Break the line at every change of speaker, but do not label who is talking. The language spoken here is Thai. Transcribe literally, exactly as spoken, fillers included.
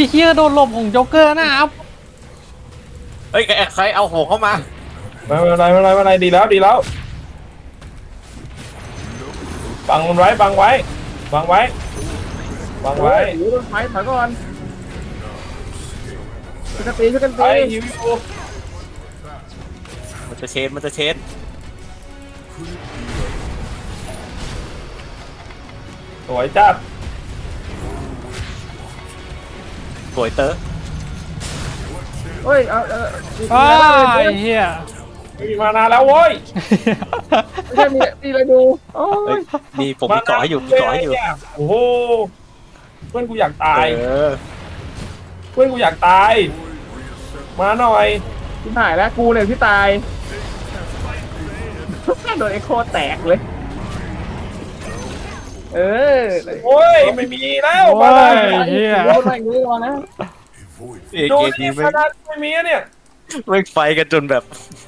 เชี่ยโดนหลบของโจ๊กเกอร์นะครับ
เฮ้ยใครเอาโหเข้ามา
ไม่เป็นไรไม่เป็นไรไม่เป็นไรดีแล้วดีแล้วบังมันไว้บังไว้บังไว้บังไว้
โอ้ยโดนไฟถอยก่อนช่วยกันตีช่วยกัน
ไป
ตี
ฮิวอยู่
มันจะเชนมันจะเชน
สวยจัด
สวยเตอร์
เฮ้ยเอาเอาตี
อ้า
แล้ว
ไอ้
เลย
เหี้ย
ไม่มีมานานแล้วโว้ย
ไม่ใช่มีตีอะไรดูโอ้
เฮ้
ย
ยมีผมมีเกาะให้อยู่มีเกาะให้อยู่
นี่โอ้โหเพื่อนกูอยากตาย
เออ
เพื่อนกูอยากตาย มาหน่อย
ที่หายแล้วกูเนี่ยที่ตายโดนเอ็กโคแตกเลยเออ
โอ้ยไม่มีแล้ว
โอ้
มาเลย
ยเหี้ย
โดนอะไรอย่างนี้ก่อนนะ
เอก
ดู
เกม
นี่
นี้
มา
ไม่
นานไม่มีอะเนี่ย
ไม่ไฟกันจนแบบ